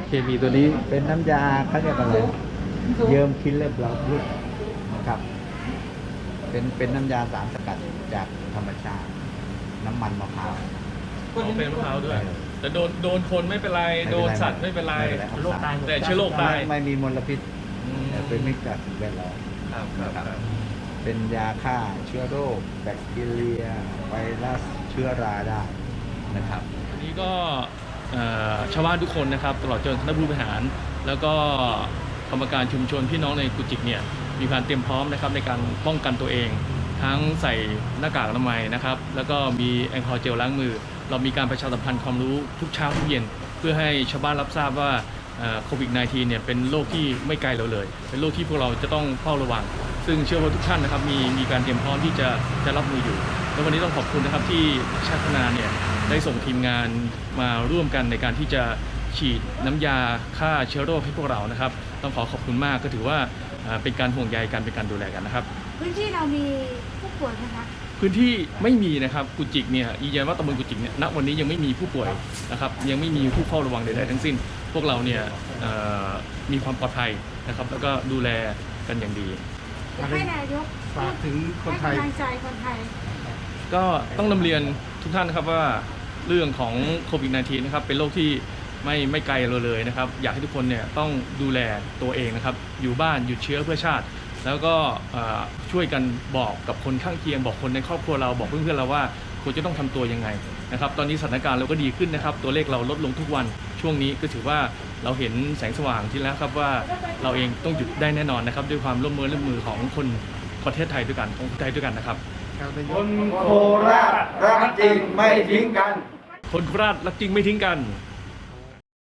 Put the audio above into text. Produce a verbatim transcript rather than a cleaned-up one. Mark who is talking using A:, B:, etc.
A: เคมีตัวนี้เป็นน้ำยาเขาเรียกอะไรเยิมคิลเลอร์บลาพืชนะครับเป็นเป็นน้ำยาสารสกัดจากธรรมชาติน้ำมันมะพร้าว
B: อ๋อเป็นมะพร้าวด้วย
A: เออ
B: แต่โดนโดนคนไม่เป็นไร
A: ไม่เป็นไร
B: โดนสัตว์ไม่เป็นไร
A: ไม่เป็นไร
C: โรคตายหมด
B: แต่เชื้อโรคตาย
A: ไม่ไม่มีมลพิษ
B: อืม
A: แต่เป็นมิตรกับสิ่งแวดล้อม
B: ครับครับครับ
A: เป็นยาฆ่าเชื้อโรคแบคทีเรียไวรัสเชื้อราได้นะครับ
B: อันนี้ก็เอ่อชาวบ้านทุกคนนะครับตลอดจนคณะผู้บริหาร แล้วก็กรรมการชุมชนพี่น้องในกุจิกเนี่ยมีการเตรียมพร้อมนะครับในการป้องกันตัวเอง ทั้งใส่หน้ากากอนามัยนะครับแล้วก็มีแอลกอฮอล์เจลล้างมือ เรามีการประชาสัมพันธ์ความรู้ทุกเช้าทุกเย็น เพื่อให้ชาวบ้านรับทราบว่าโควิด สิบเก้า เนี่ยเป็นโรคที่ไม่ไกลเราเลย เป็นโรคที่พวกเราจะต้องเฝ้าระวัง ซึ่งเชื่อว่าทุกท่านนะครับมีมีการเตรียมพร้อมที่จะจะรับมืออยู่แล้ววันนี้ต้องขอบคุณนะครับที่ชาติพัฒนาเนี่ยได้ส่งทีมงานมาร่วมกันในการที่จะฉีดน้ำยาฆ่าเชื้อโรคให้พวกเรานะครับต้องขอขอบคุณมากก็ถือว่าอ่าเป็นการห่วงใยกันเป็นการดูแลกันนะครับ
D: พื้นที่เรามีผู้ป่วยไหมคะ
B: พื้นที่ไม่มีนะครับกุจิกเนี่ยยืนยันว่าตำบลกุจิกเนี่ยณวันนี้ยังไม่มีผู้ป่วยนะครับยังไม่มีผู้เฝ้าระวังใดๆทั้งสิ้น พวกเราเนี่ยเอ่อมีความปลอดภัยนะครับแล้วก็ดูแลกันอย่างดี
D: อยากให้นายก
C: ฝากถึงคนไทย
D: ให้กำลังใจคนไทย
B: ก็ต้องนำเรียนทุกท่านนะครับว่าเรื่องของโควิด สิบเก้า นะครับเป็นโรคที่ไม่ไม่ไกลเราเลยนะครับอยากให้ทุกคนเนี่ยต้องดูแลตัวเองนะครับอยู่บ้านหยุดเชื้อเพื่อชาติ แล้วก็เอ่อช่วยกันบอกกับคนข้างเคียงบอกคนในครอบครัวเราบอกเพื่อนๆเราว่าควรจะต้องทำตัวยังไงนะครับตอนนี้สถานการณ์เราก็ดีขึ้นนะครับตัวเลขเราลดลงทุกวันช่วงนี้ก็ถือว่าเราเห็นแสงสว่างที่แล้วครับว่าเราเองต้องหยุดได้แน่นอนนะครับด้วยความร่วมมือร่วมมือของคนประเทศไทยด้วยกันของคนไทยด้วยกันนะครับ
A: คนโคราชรักจริงไม่ทิ้งกัน
B: คนโคราชรักจริงไม่ทิ้งกัน